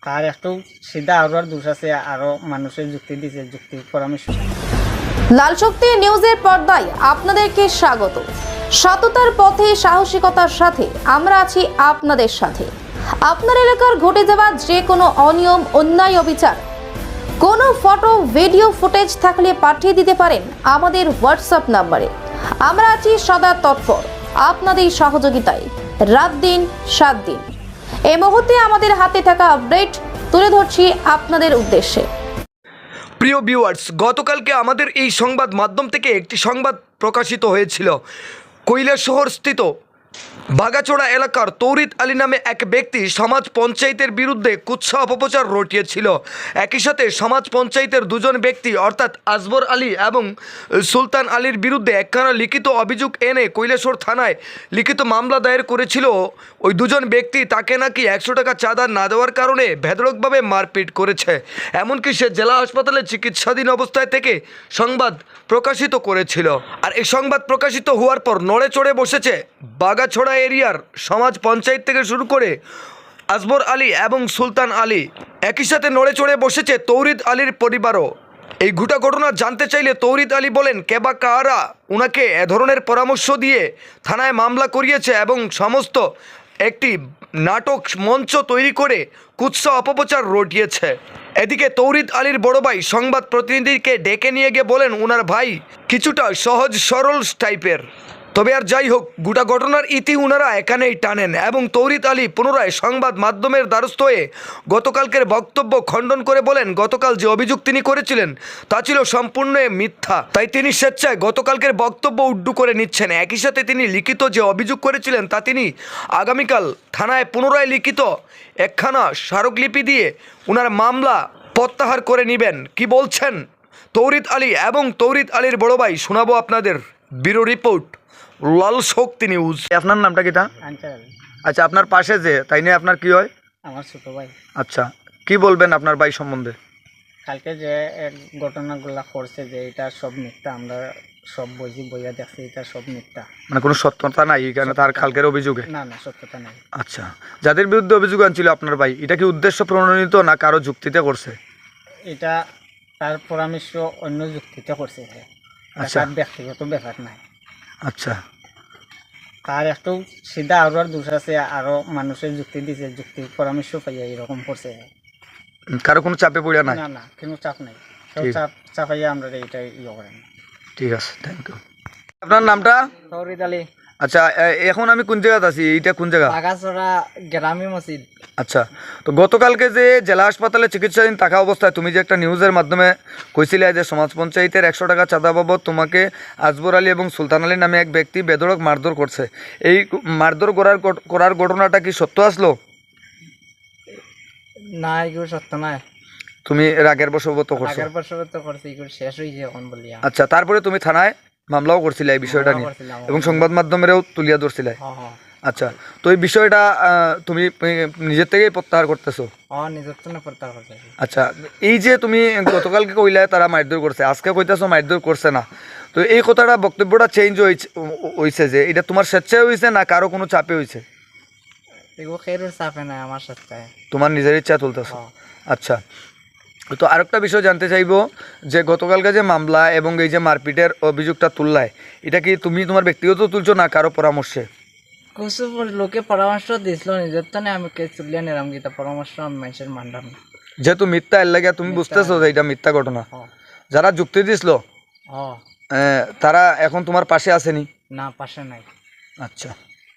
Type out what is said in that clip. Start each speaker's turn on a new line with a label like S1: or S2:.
S1: তার একটু সিধা আর দোষ আছে, আরো মানুষের যুক্তি দিছে, যুক্তি পরামর্শ।
S2: লাল শক্তি নিউজের পর্দায় আপনাদেরকে স্বাগত। সততার পথে সাহসিকতার সাথে আমরা আছি আপনাদের সাথে। আপনার এলাকার ঘটে যাওয়া যে কোনো অনিয়ম, অন্যায়, অবিচার, কোনো ফটো, ভিডিও ফুটেজ থাকলে পাঠিয়ে দিতে পারেন আমাদের হোয়াটসঅ্যাপ নাম্বারে। আমরা আছি সদা তৎপর আপনাদের সহযোগিতায়, রাত দিন 7 দিন। এই মুহূর্তে আমাদের হাতে থাকা আপডেট তুলে ধরছি আপনাদের উদ্দেশ্যে।
S3: প্রিয় ভিউয়ার্স, গতকালকে আমাদের এই সংবাদ মাধ্যম থেকে একটি সংবাদ প্রকাশিত হয়েছিল। কৈলাসহর স্থিত বাগাচোড়া এলাকার তৌরিদ আলী নামে এক ব্যক্তি সমাজ পঞ্চায়েতের বিরুদ্ধে কুৎসা অপপ্রচার রটিয়েছিল। একই সাথে সমাজ পঞ্চায়েতের দুজন ব্যক্তি অর্থাৎ আসবর আলী এবং সুলতান আলীর বিরুদ্ধে একখানা লিখিত অভিযোগ এনে কৈলাসহর থানায় লিখিত মামলা দায়ের করেছিল। ওই দুজন ব্যক্তি তাকে নাকি 100 টাকা চাঁদা না দেওয়ার কারণে বেধড়কভাবে মারপিট করেছে। এমনকি সে জেলা হাসপাতালে চিকিৎসাধীন অবস্থায় থেকে সংবাদ প্রকাশিত করেছিল। আর এই সংবাদ প্রকাশিত হওয়ার পর নড়ে চড়ে বসেছে বাগাছড়া এরিয়ার সমাজ পঞ্চায়েত থেকে শুরু করে আসবর আলী এবং সুলতান আলী। একই সাথে নড়ে চড়ে বসেছে তৌরিদ আলীর পরিবারও। এই গোটা ঘটনা জানতে চাইলে তৌরিদ আলী বলেন কেবা কাহারা ওনাকে এ ধরনের পরামর্শ দিয়ে থানায় মামলা করিয়েছে এবং সমস্ত একটি নাটক মঞ্চ তৈরি করে কুৎসা অপপ্রচার রটিয়েছে। এদিকে তৌরিদ আলীর বড় ভাই সংবাদ প্রতিনিধিকে ডেকে নিয়ে গিয়ে বলেন ওনার ভাই কিছুটা সহজ সরল টাইপের। তবে আর যাই হোক, গোটা ঘটনার ইতি ওনারা এখানেই টানেন এবং তৌরিদ আলী পুনরায় সংবাদ মাধ্যমের দ্বারস্থ হয়ে গতকালকের বক্তব্য খণ্ডন করে বলেন গতকাল যে অভিযোগ তিনি করেছিলেন তা ছিল সম্পূর্ণ মিথ্যা। তাই তিনি স্বেচ্ছায় গতকালকের বক্তব্য উড্ডু করে নিচ্ছেন। একই সাথে তিনি লিখিত যে অভিযোগ করেছিলেন তা তিনি আগামীকাল থানায় পুনরায় লিখিত একখানা স্মারকলিপি দিয়ে ওনার মামলা প্রত্যাহার করে নেবেন। কি বলছেন তৌরিদ আলী এবং তৌরিদ আলীর বড় ভাই শোনাবো আপনাদের। Bureau report, Lal Shakti news. আপনার নামটা কিটা?
S1: আনসার আলী।
S3: আচ্ছা, আপনার পাশে যে তাই নিয়ে আপনার কি হয়?
S1: আমার ছোট ভাই।
S3: আচ্ছা, কি বলবেন আপনার ভাই সম্বন্ধে?
S1: কালকে যে এক ঘটনাগুলা করছে যে এটা সব মিথ্যা, আমরা সব বইয়া দেখছি, এটা সব মিথ্যা,
S3: মানে কোনো সত্যতা নাই এখানে তার কালকের অভিযোগে?
S1: না না, সত্যতা নাই।
S3: আচ্ছা, যাদের বিরুদ্ধে অভিযোগ আনছিল আপনার ভাই, এটা কি উদ্দেশ্য প্রণোদিত না কারো যুক্তিতে করছে?
S1: এটা তার পরামর্শ অন্য যুক্তিতে করছে।
S3: আচ্ছা।
S1: তার ব্যক্তিগত ব্যাপার নাই।
S3: আচ্ছা,
S1: তার একটু সিধা আর দোষ আছে, আরো মানুষের যুক্তি দিছে, যুক্তি পরামর্শ পাইয়া এরকম করছে।
S3: কারো কোনো চাপে পড়িয়া নাই?
S1: না না, কোনো চাপ নাই। সব
S3: ঠিক।
S1: চাপাইয়া আমরা এটা করেন।
S3: ঠিক আছে, থ্যাংক ইউ। আপনার নামটা?
S1: তৌরিদ আলী।
S3: আচ্ছা, এখন আমি কোন জায়গাতে আছি? এইটা কোন জায়গা?
S1: বাগাছড়া গ্রামী মসজিদ।
S3: আচ্ছা, তো গতকালকে যে জেলা হাসপাতালে চিকিৎসাধীন থাকা অবস্থায় তুমি যে একটা নিউজের মাধ্যমে কইছিলে যে সমাজ পঞ্চায়েতের 100 টাকা চাঁদা বাবদ তোমাকে আসবর আলী এবং সুলতান আলী নামে এক ব্যক্তি বেধড়ক মারধর করছে, এই মারধর করার ঘটনাটা কি সত্য আসলো?
S1: না, এগুলো সত্য নয়।
S3: তুমি রাগের বশবর্ত করছো?
S1: আগের বছর তো করছি, এগুলো শেষ হয়েছে এখন বলিয়া।
S3: আচ্ছা, তারপরে তুমি থানায় মামলাও করছিলে এই বিষয়টা নিয়ে এবং সংবাদ মাধ্যমেরও তুলিয়া ধরছিলে? আচ্ছা, তো এই বিষয়টা তুমি নিজের থেকেই প্রত্যাহার করতেছো?
S1: নিজের তো না প্রত্যাহার করতে।
S3: আচ্ছা, এই যে তুমি গতকালকে কইলে তারা মারধর করছে, আজকে কইতেছো মারধর করছে না, তো এই কথাটা বক্তব্যটা চেঞ্জ হয়েছে যে এটা তোমার স্বেচ্ছায় হয়েছে না কারো কোনো চাপে হয়েছে?
S1: এগুলো খেরোর চাপে নাই, আমার সাথে
S3: তোমার নিজের ইচ্ছা তুলতেছো? আচ্ছা, তো আরেকটা বিষয় জানতে চাইবো যে গতকালকে যে মামলা এবং এই যে মারপিটের অভিযোগটা তুললায়, এটা কি তুমি তোমার ব্যক্তিগত তুলছো না কারো পরামর্শে?
S1: কিছু লোকে পরামর্শ দিছিল, নিজের তো আমি কে চুলিয়া নিলাম গীতা পরামর্শ আমি মানুষের মানলাম না।
S3: যেহেতু মিথ্যা এর লাগে তুমি বুঝতেছো যে এটা মিথ্যা ঘটনা, যারা যুক্তি দিছিল তারা এখন তোমার পাশে আসেনি?
S1: না, পাশে নাই।
S3: আচ্ছা।